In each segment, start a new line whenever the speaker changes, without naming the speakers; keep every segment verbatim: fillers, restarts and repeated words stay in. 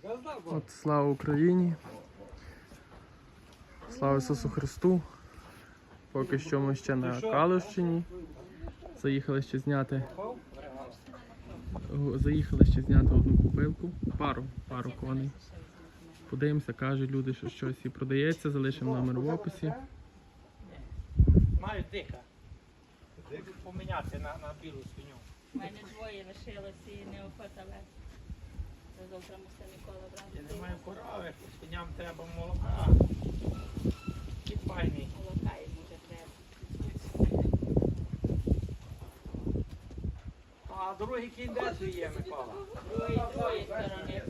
От слава Україні. Слава Ісусу Христу. Поки що ми ще на Калущині. Заїхали ще зняти Заїхали ще зняти одну купилку, пару, пару коней. Подивимося, кажуть люди, що щось і продається, залишимо номер в описі.
Маю дика. Поміняти на, на білу свиню.
У мене двоє лишилося і не охота вести. Завтра мусимо Микола брати.
Я не маю корови, свиням треба молока. І файний.
Молока їм вже треба.
А другий кінь де твій є, Микола?
Другої двоє сторони.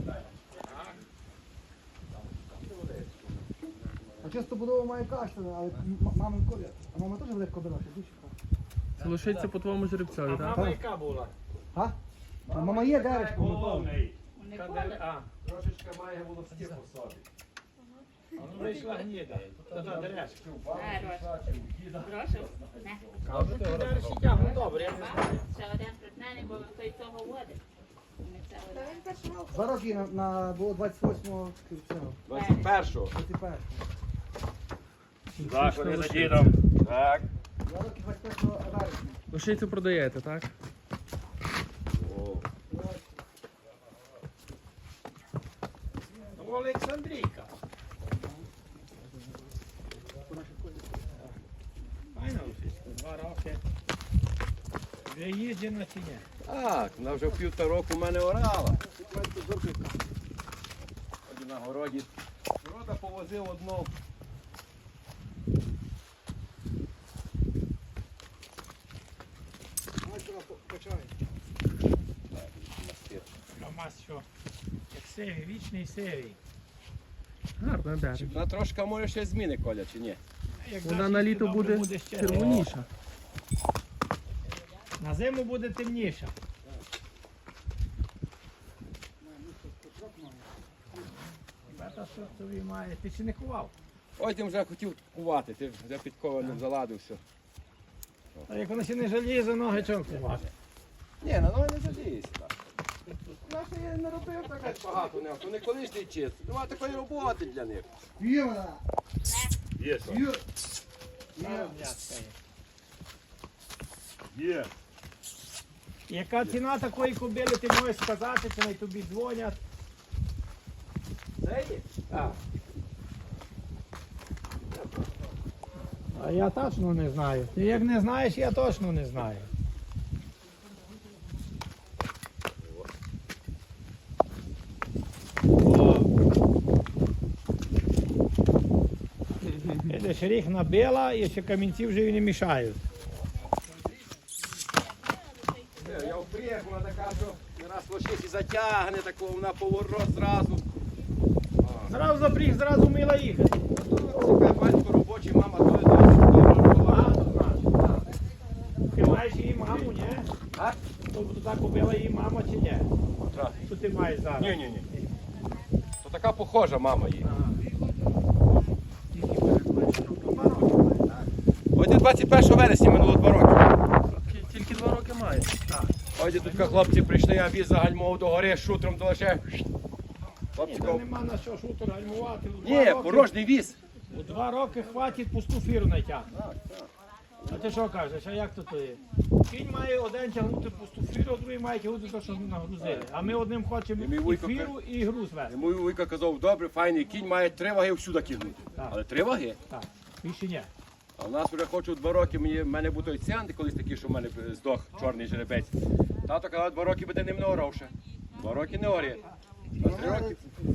А часто будова має каштани, але м- мамин колір. А мама теж велика кобила, ще більше.
Це лишиться по твоєму жеребцеві,
А
так?
мама яка була?
А? А мама є деречко, Микола.
Головний.
У
Каде-
Миколи.
А,
Трошечки має волоски по собі.
а ну вийшла гніда. Та та дерешка.
Прошу. Не.
А вже ти дерешки тягну добре, я не знаю.
Ще один притнений, бо той того водить. Ми це один.
Два роки на, на було двадцять восьмого цього,
двадцять першого.
двадцять першого.
Так, вони за дідом. Так.
Два роки двадцять першого вересня.
Лишицю продаєте, так?
Ну, Олександрійка. Файна лисичка, два роки. Вже їджена чи ні?
Так, вона вже півтора року в мене орала. Ході на городі. Города повозив одну.
Камаз що? Як сивий, вічний сивий.
Гарно дерево.
Вона трошки може ще зміни, Коля, чи ні?
Як
Вона
даш
на
їсти,
літо
добре
буде
ще.
червоніша.
На зиму буде темніша. Бета що тобі має? Ти ще не кував?
Ой, ти вже хотів кувати, ти вже підкованим заладився.
А як вона ще не жаліє за ноги, чого кувати?
Ні, на ноги не жалієшся. Вона ще я не робив так багато, не, то не колишній чист. Нема такої роботи для них.
Є вона!
Є,
Є!
Є.
Яка ціна такої кобили, ти можеш сказати, чи не тобі дзвонять? Це є? Так. А я точно не знаю. Ти як не знаєш, я точно не знаю. Видиш, ріг набила і ще камінці вже і не мішають.
Я впріг, вона така, що не раз лошиці затягне, такого вона поворот зразу.
Зразу запріг, зразу вміла їхати.
Цікавий батько робочий, мама то є.
Багато знаєш. Ти маєш її маму, ні?
А?
Тобто так купила її мама чи ні?
Так.
Що ти маєш зараз?
Ні, ні, ні. То така похожа мама її. Ось двадцять першого вересня минуло два роки.
Тільки два роки має.
Ось тут хлопці прийшли, я віз загальмовував до гори з шутром, то лише.
Ні,
Хлопці
та
кажуть,
нема на що шутер гальмувати. У два
ні,
роки-
порожній віз.
У два роки хватить пусту фіру натягнути. А ти що кажеш, а як то то є? Кінь має один тягнути пусту фіру, а другий має тягнути те, що ми нагрузили. А ми одним хочемо
І мій
і
вуйко
фіру, і груз вести.
Мій вуйко казав, добре, файний кінь має три ваги всюди кинути.
Так.
Але три ваги.
Так, більше ні.
А у нас вже хочу два роки, мені, в мене був той ціанти колись такий, що в мене здох чорний жеребець. Тато казав, два роки буде ним не орав ще. Два роки не орє. А три роки.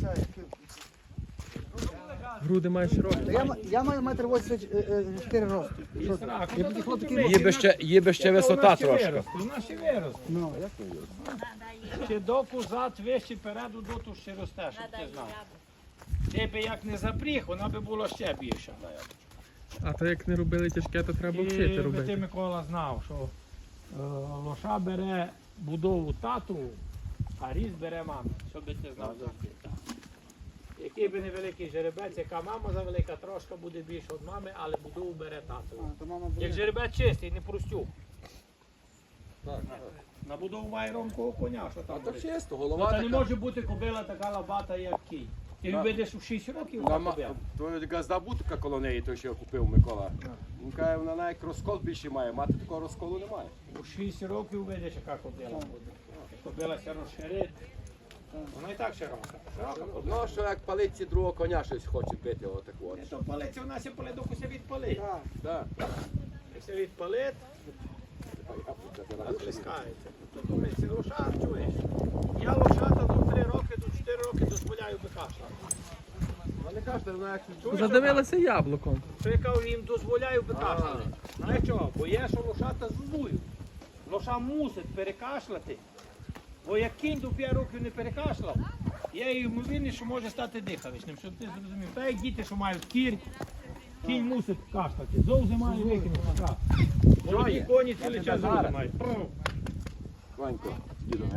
Груди має широкі.
Та Я, м- я маю метр вісімдесят чотири росту. Що ти?
А,
Я б хотів такі
Є би ще, є би ще висота трошки.
У нас ще виросте.
Ну, як то є?
Ще доку зад вище переду доту ще росте, щоб ти знав. Ти би як не запріг, вона би була ще більша.
А то як не робили тяжке, то треба
І
вчити
би ти,
робити.
Микола, знав, що е, лоша бере будову тату, а різ бере маму. Щоб ти знав завжди. так. Який би невеликий жеребець, яка мама завелика, трошки буде більше від мами, але будову бере тату.
А, то мама
Як
буде.
жеребець чистий, не простюк. На будову має ромкового коня, що
А
там.
то
буде?
чисто,
Ну,
голова
та не
така.
може бути кобила така лабата, як кінь. Ти
Так.
видиш у шість років
На
та
ма-
кобила.
То газда бутика коло неї, той, що я купив Микола. Він каже, вона навіть розкол більше має, мати такого розколу немає.
У шість років видиш, яка кобила буде. Кобила ся розширить. Вона і так широка. Широка кобила.
Ну, що як палиці другого коня щось хоче бити, отак от.
Не то палиться, у нас є поледокуся відпалить.
Так.
Якщо відпалить, розплескається. То думається, лоша, чуєш? Я лошата до три роки, до чотири роки дозволяю бикашла.
Вони кажуть, вона як
Чуєш,
Задивилася яблуком.
що я кажу, їм дозволяю бикашляти. Знаєш чого? Бо є, що лошата зузують. Лоша мусить перекашляти. Бо як кінь до п'ять років не перекашляв, є ймовірність, що може стати дихавичним, щоб ти зрозумів. Та як діти, що мають кір, кінь мусить кашляти. Зовсім має викинути. так. Молоді коні цілий час зовсім мають.
Ванько, дідом.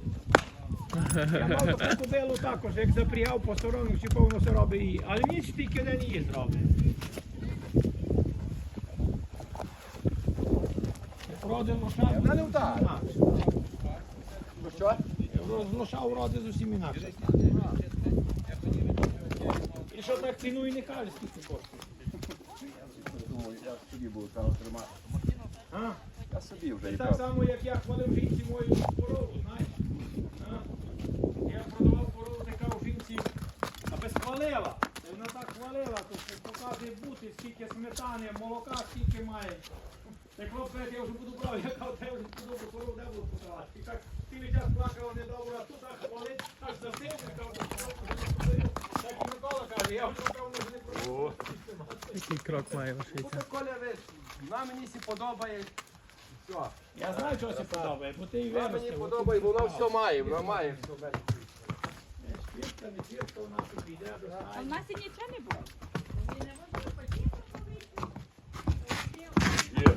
Я мав таку кобилу також, як запрягав по сторону, чи повно все робить її. Але ніч тільки один її зробить. Роди лоша
Вона не вдарить.
інакше.
Ну що?
З лоша уроди зовсім інакше. І що так цінує, не каже, скільки коштує.
Думаю, я собі буду там тримати.
А?
Я собі вже
Це
і
так
так.
само, як я хвалив жінці мою корову, знаєш. А? Я продавав корову, така у жінці, аби схвалила. І вона так хвалила, то що показує бути, скільки сметани, молока, скільки має. Так хлопець, я вже буду брав, я кажу, треба вже подобу корову, де буду продавати. І так цілий час плакала недобре, а тут так хвалить, аж за сильно, я кажу, так і Микола каже, я вже кажу, вже не продаю.
Який крок має лошиця?
Коля, ви, вона мені сі подобає. Все.
Я знаю, чого це подобає, бо ти і
Вона мені
виростив.
подобає, бо вона все має, вона має все.
Світка, не світка, вона собі йде,
А в
достає.
нас і нічого не було.
Є.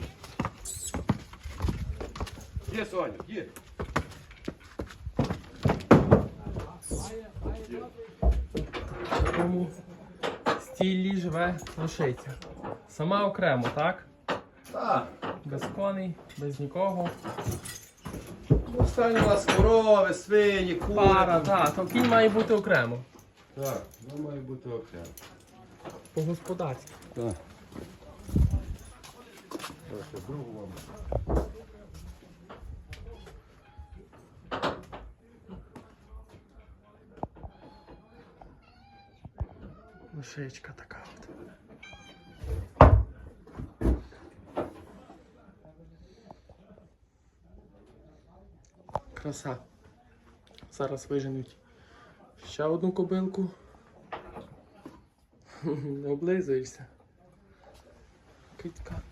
Є, Соня, є.
В такому стілі живе лошиця. Сама окремо, так?
Так.
Без коней, без нікого.
Останні у нас корови, свині, кури.
Пара, так, то кінь має бути окремо.
Так, воно має бути окремо.
По-господарськи.
Так. Ще другу вам.
Лошичка така от. Краса. Зараз виженуть ще одну кобилку. Не облизуєшся. Китка.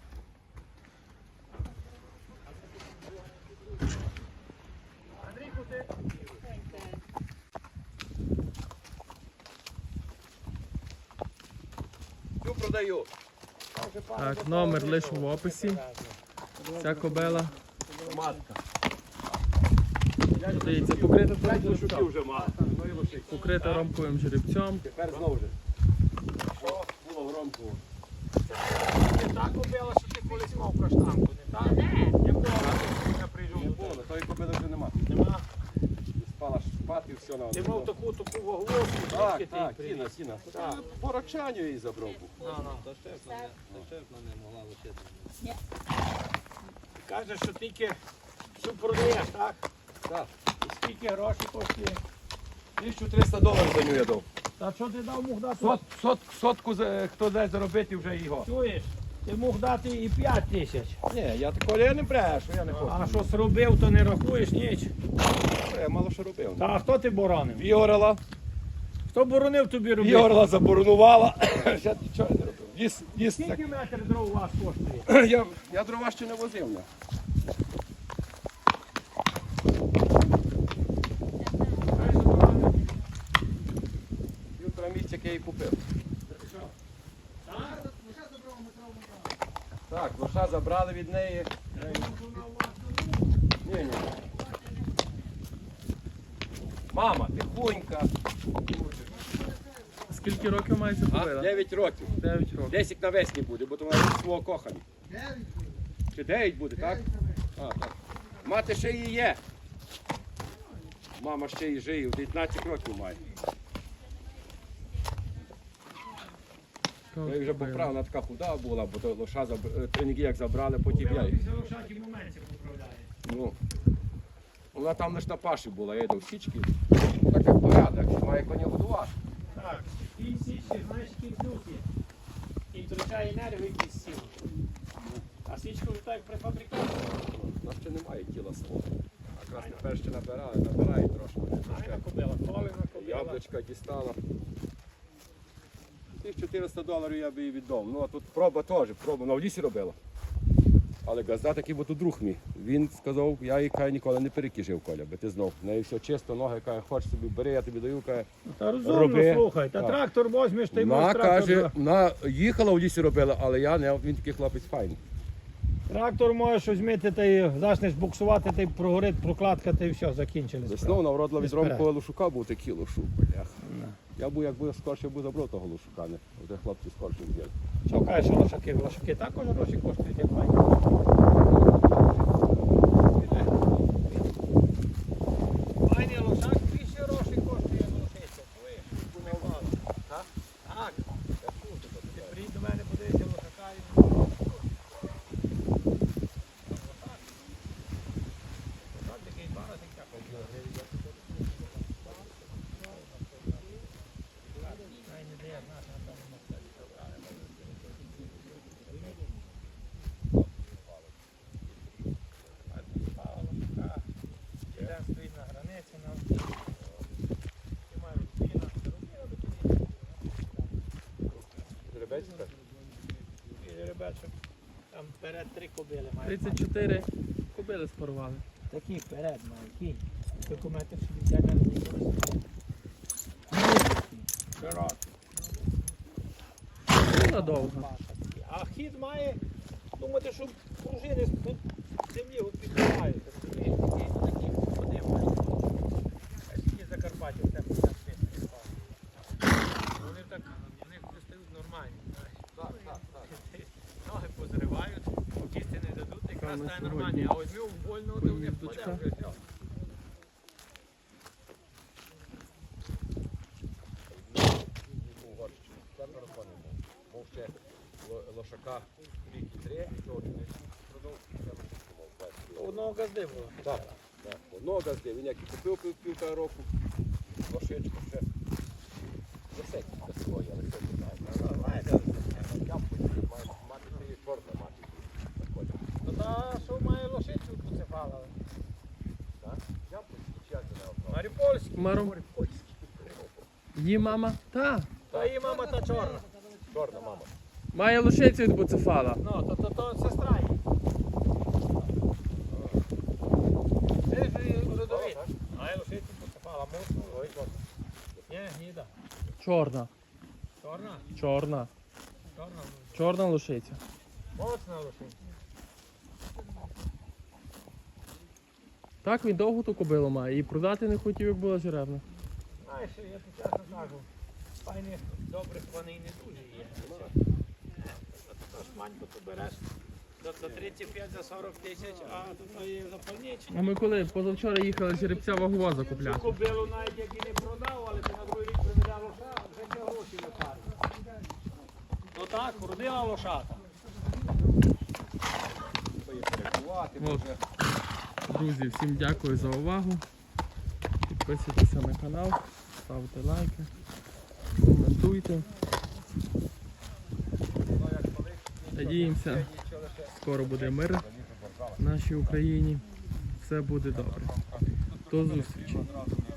Цю продаю.
Так, номер лише в описі. Ця кобила
Матка.
продається покрита
П'ять
жеребцем.
лошуків вже мати. Ну і лошик.
Покрита ромковим жеребцем.
Тепер знову ж. Що було в ромку?
Не так купила, що ти колись мав каштанку, не так?
Де?
Якого я прийшов
Не
до
було,
тебе?
тої кобили вже нема.
Нема.
Спала шпати і все на
Ти мав таку таку вагловку,
Так,
звідки ти її
так,
привіз?
сіна, сіна.
Так.
По рачанню її забрав був.
Ну, ну.
не могла лишити.
Ти кажеш, що тільки всю продаєш, так?
Так.
І скільки грошей коштує?
тисячу триста доларів за нього я дав.
Та що ти дав мог дати?
Сот, сот, сотку за- хто дасть заробити вже його.
Чуєш? Ти мог дати і п'ять тисяч.
Ні, я такого я не брешу, я не хочу.
А що зробив, то не рахуєш ніч.
Я мало що робив.
Та а хто ти боронив?
Вігорела.
Хто боронив тобі робити?
Вігорела заборонувала. Ще нічого не робив. Віз, віз, так.
Скільки метр дров у вас коштує?
Я, я дрова ще не возив. Не. Півтора місяця, як я її купив. Так, лоша забрали від неї. Ні, ні. Мама, тихонька.
Скільки років має ця
А,
кобила?
дев'ять років.
дев'ять років.
Десять навесні буде, бо то вона від свого кохання. Чи дев'ять буде, так? А, так. Мати ще її є. Мама ще її жиє, дев'ятнадцять років має. Я її вже поправив, вона така худа була, бо то лоша заб- треніги як забрали, потім я її.
Після лошаті в моменті поправляє.
Ну, вона там лише на паші була, я йду в січки. Так як порядок, має коня годувати.
Так, кінь січки, знаєш, кінь плюс є. Кінь втрачає нерви, якісь сіл. А січку вже так як при фабрикаті.
У нас ще немає тіла свого. Якраз тепер ще набирали, набирають трошки.
Найна кобила, колина кобила.
Яблучка дістала. Тих чотириста доларів я би їй віддав. Ну а тут проба теж, проба на в лісі робила. Але газда такий, бо тут друг мій. Він сказав, я їй каже, ніколи не перекіжив, Коля, бо ти знов. В неї все чисто, ноги, каже, хочеш собі, бери, я тобі даю, каже.
Та розумно,
Роби.
слухай, та
Так.
трактор возьмеш, ти
Вона
можеш трактор.
каже, вона їхала в лісі робила, але я не, він такий хлопець файний.
Трактор можеш візьмити, та й почнеш буксувати, та й прогорить прокладка, та й все, закінчили.
Весною
справу.
вона вродила від
Вперед.
Ромкового Лушука, був такий Лушук, бляха. Я був, якби скорше був забрав того Лушука, не. Оте хлопці скорше взяли.
Що кажеш, що лошаки? Лошаки також гроші коштують, як файні. Файний лошак більше гроші коштує лошиця. Чуєш? Помивало. Так? Так. Ти приїдь до мене, подивися лошака і... Лошак такий два рази тяпав. Ай, не дає, знаєш, на тому мостові забрали. Пала лошака. Один стоїть на границі, на і має рубіна. Рубіна до тобі.
Жеребець так?
І жеребечок. Там вперед три кобили має.
тридцять чотири кобили спарували.
Такі вперед має, кінь. Документи собі тягне на зустріч. Широкий.
Була довга.
А хід має, думати, що пружини тут землі підтримають. Такі, такі, ходи мають. А скільки Закарпаття в тебе там пішли. Вони так, вони стають нормальні, знаєш.
Так, так, так.
Ноги позривають, кісти не дадуть, якраз
Саме
стає
сьогодні
нормальні. А візьми вольного, то вони
поїздочка.
впаде вже все.
Угорщину. Четверо коней був. Був ще ло- лошака рік і три, і того не продав, і ще лошаку мав. бачиш.
Одного газди було.
Так, так. Одного газди. Він як і купив пів- півтора року, лошичку ще. Десять без свої, але все не знаю.
Знаєте,
Я потім маю мати цієї чорна мати. Заходить.
то та, що має лошицю поцепала.
Так? Я потім чесно не обрав.
Маріупольський.
Мару. Її мама? Та.
Та її мама та чорна.
Чорна мама.
Має лошицю від буцефала.
Ну, то, то, то сестра її. Це ж і родовід. Має лошицю поцепала, мусу. Ой, чорна. Ні, гніда.
Чорна.
Чорна?
Чорна.
Чорна.
Чорна лошиця.
Моцна лошиця.
Так, він довго ту кобилу має. І продати не хотів, як була жеребна.
Знаєш, я тобі чесно кажу, файних добрих коней не дуже є. Тож маньку ти береш за за тридцять п'ять, за сорок тисяч, а тут є запальничення.
А ми коли позавчора їхали жеребця вагова
Цю
закупляти.
кобилу навіть як і не продав, але ти на другий рік приведе лоша, вже це гроші випарить. Ну так, родила лошата.
Перекувати,
От.
може.
Друзі, всім дякую за увагу. Підписуйтеся на канал, ставте лайки, коментуйте. Надіємося, скоро буде мир в нашій Україні. Все буде добре. До зустрічі.